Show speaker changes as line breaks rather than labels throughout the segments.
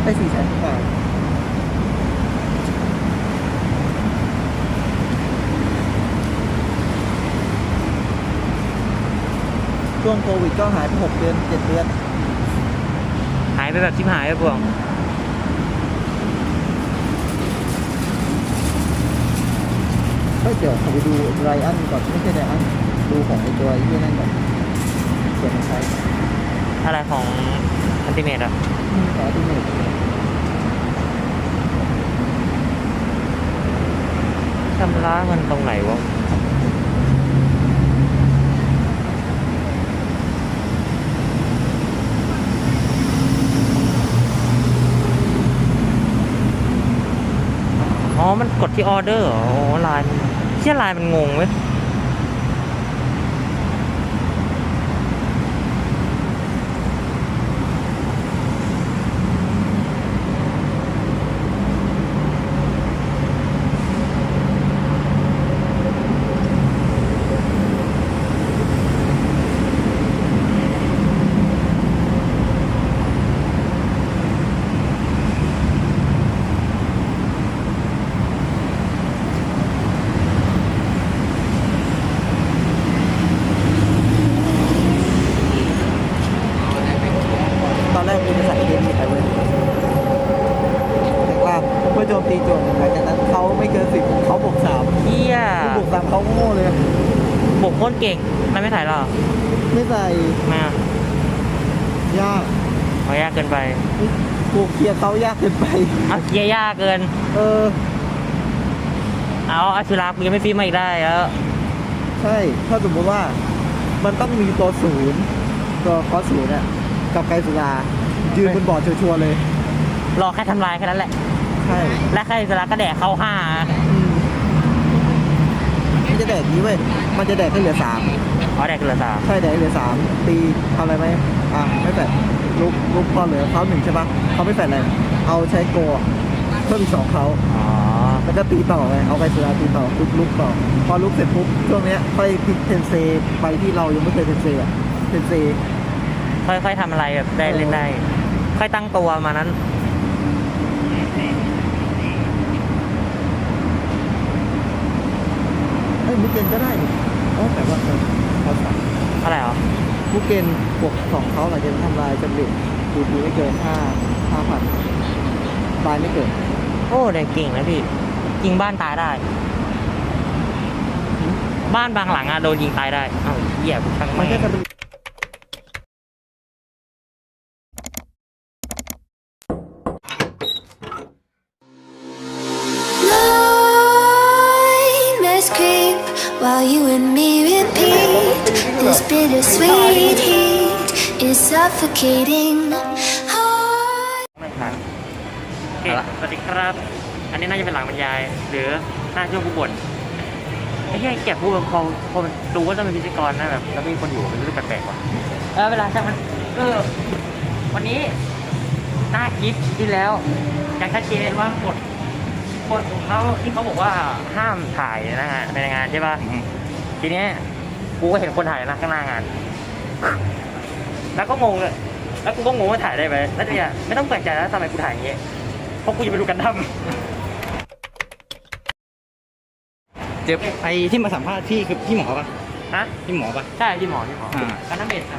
ได้400,000กว่าช่วงโควิดก็หายไป6 เดือน 7 เดือน
หายไปแบบชิบหายไปพวง
เดี๋ยวขอไปดูไรอันก่อนไม่ใช่ไรอันดูของไอตัวที่นั่นก่อนส่วนใช้
อะไรของอันติเมตอ่ะ
ขอที่หนึ่ง
ชำระมันตรงไหนวะอ๋อมันกดที่ออเดอร์อ๋อลายมันเชี่ยลายมันงงเว้ย
ตอนแรกมีจะใส่เกมมีไปเลยแต่ว่าเพื่อโจมตีโจมหลังจากนั้นเขาไม่เกิน10เขาบวก3
เฮีย
บวก3เขาโง่เลย
บวกโคตรเก่งมันไม่ถ่ายหรอ
ไม่ใส่
มาย
าก
เอายากเกินไป
กูเคลียร์เขายากเกินไป
เอาเกียร์ยากเกิน เอาอาชุรากูยังไม่ฟีมาอีกได้แล้ว
ใช่ถ้าสมมติว่ามันต้องมีตัวตัวคอศูนย์เนี่ยกับไกสุรายืนบนบอร์ดชัวร์ๆเลย
รอแค่ทำลายแค่นั้นแหละ
ใช่
และใครสระก็แดกเข้า5
มันจะแดกนี้เว้ยมันจะแดกให้เหลือ3
อ๋อแดกเหลือ3
ใช่แดกเหลือ3ตีทำอะไรไหมไม่แฟดลุกพอเหลือเขา1ใช่ปะเขาไม่แฟดอะไรเอาใช้โกเพิ่มอีก2เขา
อ๋อ
แล้วก็ตีต่อไงเอาไกสุราตีต่อลุกต่อพอลุกเสร็จปุ๊บช่วงเนี้ยค่อยพลิกเทนเซไปที่เรายังไม่เคยเทนเซ
ค่อยๆทำอะไรแบบได้เล่นได้ ค่อยตั้งตัวมานั้น
บุกเกนก็ได้นี่แต่ว่าเขาสั่ง
อะไรเหรอ
บุกเกนบวก2เขาหลังจากทำลายจำเร็จดูไม่เกิน5,000ตายไม่เกิน
โอ้แดงเก่งนะพี่ยิงบ้านตายได้ บ้านบางหลังอะโดนยิงตายได้เอ้าเหี้ยกูช่างมันแค่
While you and me repeat, this bittersweet heat is suffocating.
ไม่ทันโอเคสวัสดีครับ อันนี้น่าจะเป็นหลังบรรยาย หรือหน้าช่วงผู้บ่นไอ้ที่แกพูดแบบพอมันดูว่าต้องเป็นพิธีกรนะแบบแล้วมีคนอยู่มันรู้สึกแปลกๆว่ะเวลาช่างมันวันนี้หน้าคลิปที่แล้วยังชัดเจนว่ากฎของเขาที่เขาบอกว่าห้ามถ่ายนะฮะในงานใช่ป่ะทีนี้กูก็เห็นคนถ่ายนะข้างหน้างานแล้วก็งงเลยแล้วกูก็งงว่าถ่ายได้ไหมแล้วเนี่ยไม่ต้องแปลกใจแล้วทำไมกูถ่ายอย่างเงี้ยเพราะกูจะไปดูกันดั้ม
เจ็บไอ้ที่มาสัมภาษณ์พี่คือพี่หมอปะ
ฮะ
พี่หมอปะ
ใช่พี่หมอกันดั้มเบสครับ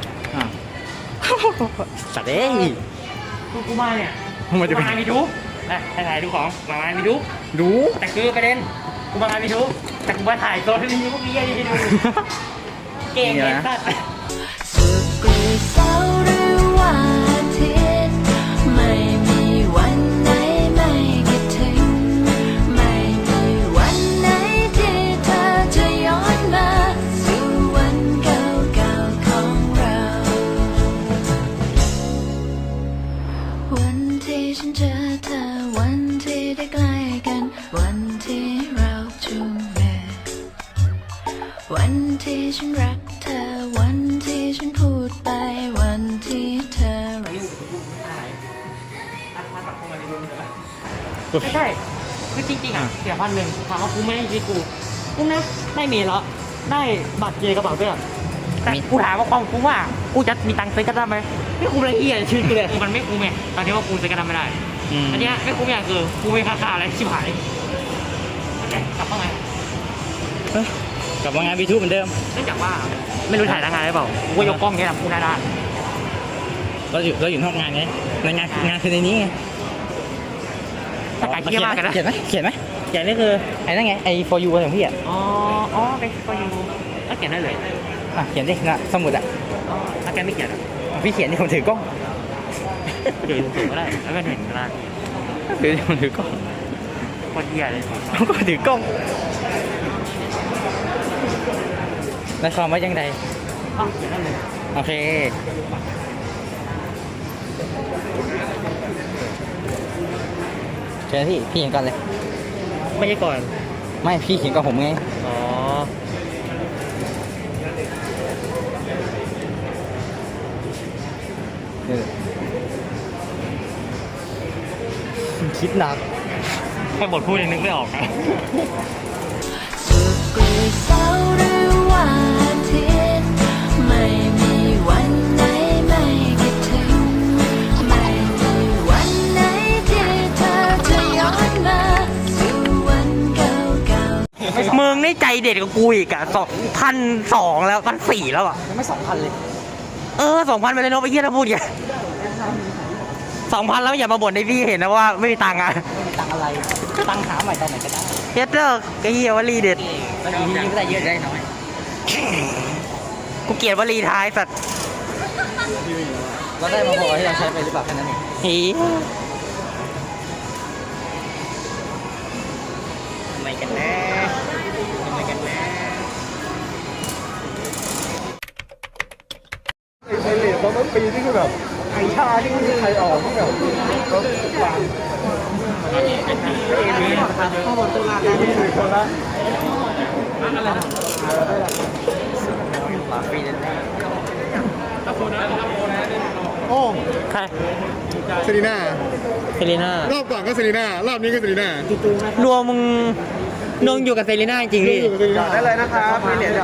สัตว์เอ้ย
กูมาเนี่ยกูมามีดูถ่ายดูของมามีดูแต่คือประเด็นกูมามีดูแต่กูมาถ่ายตัวที่มีพวกนี้ให้ดูเก่งเลยสัตว์
สุขหรือเศร้าหรือว่าอาทิตย์ไม่มีวันไหนไม่คิดถึงไม่มีวันไหนที่เธอจะย้อนมาสู่วันเก่าๆของเราวันที่ฉันเจอเธอวันที่ได้ใกล้กันวันที่เราจูงมือวันที่ฉันรักเธอวันที่ฉันพูดไปวันที่เธอรัก
ไม่ใช่คือจริงๆอ่ะเสีย1,000ถามว่ากูไม่ได้ชีวิตกูนะได้เมล์แล้วได้บัตรเจกระเป๋าเสื้อแต่กูถามว่าความคุ้มว่ากูจะมีตังค์ซื้อกระดาษไหมไม่คุ้มเลยเหี้ยชีวิตกูเลยมันไม่คุ้มไงตอนนี้ว่ากูซื้อกระดาษไม่ได้อันเนี้ยไม่คุ้มอย่างคือกูไม่ค่าอะไรชิบหายกลับเข้ามา
กลับมางาน B2 เหมือนเดิม
เนื่องจากว่าไม่รู้ถ่ายหน้างานหรือเปล่ากูก็ยกกล้องเนี้ยทำกูหน้าด้าน
เราอยู่นอกงานไงในงานคือในนี้ไง
ถ้าไก่เที่ยมากกันนะ
เขียนไหมเขียนไหม
เขียนนี่คือ
ไอ้นั่นไงไอ้ for you ของพี่อ่ะ
อ๋อไปก็อยู่ถ้าเขียนได้เลย
อ่ะเขียนดินะสมุดอ่ะ
ถ้าแกไม่เขียน
พี่เขียนที่ผมถือกล้อง
เดี๋ยวสูงก็ได้แล้วก็เห็นหน้าที่
ถือที่ผมถือกล้อง
คนเหี้ยเลย
ผมก็ถือกล้องแล้วความว่ายังไง
อ๋อเขียนได้เลย
โอเคเชิญพี่เขียนก่อนเลย
ไม่ใช่ก่อน
ไม่พี่เขียนก่อนผมไง
อ๋อ
คิดหนัก
แค่บทพูดยังนึกไม่ออกนะ
สุขหรือเศร้าหรือว่าอาทิตย์ไม่มีวันไหนไม่คิดถึงไม่มีวันไหนที่เธอจะย้อนมาสู่วันเก่าๆ
มึงนี่ใจเด็ดกับกูอีกอ่ะ2,200แล้ว1,400แล้วอ่ะ
ยังไม่2,000เลย
2,000ไปเลยเนาะไปเยี่ยถ้าพูดอย่าง2,000แล้วอย่ามาบ่นให้พี่เห็นนะว่าไม่มีตังค์อ่ะ
ตังอะไรตังหาใหม่ตอนไหนก็ได้
เฮ็ดเลิกไอ้เหี้ยวลีเด็ด
ตอนนี้ยิ่งได้เยอะได้น้อย
กูเกลียดวลีท้ายสัตว์
เราได้มาพอที่เราใช้ไปหรือเปล่าแค่นั้นเอง
หี
ทำไมกันนะทำไมกันนะ
ไอเลดตอนต้นปีนี่คือแบบไอชาที่ไม่มีใครออกที่แบบเขาวางข้อมูลตุลาการที่ถือคนละอะไรนะ
ปาฟีนั่น
โอ้
ใคร
เซรีน่า
เซรีน่าร
อบก่อนก็เซรีน่ารอบนี้ก็เซรีน่าร
วมมึงนงอยู่กับเซรีน่าจริงๆพี่
ได้เลยนะครับมีเหรียญ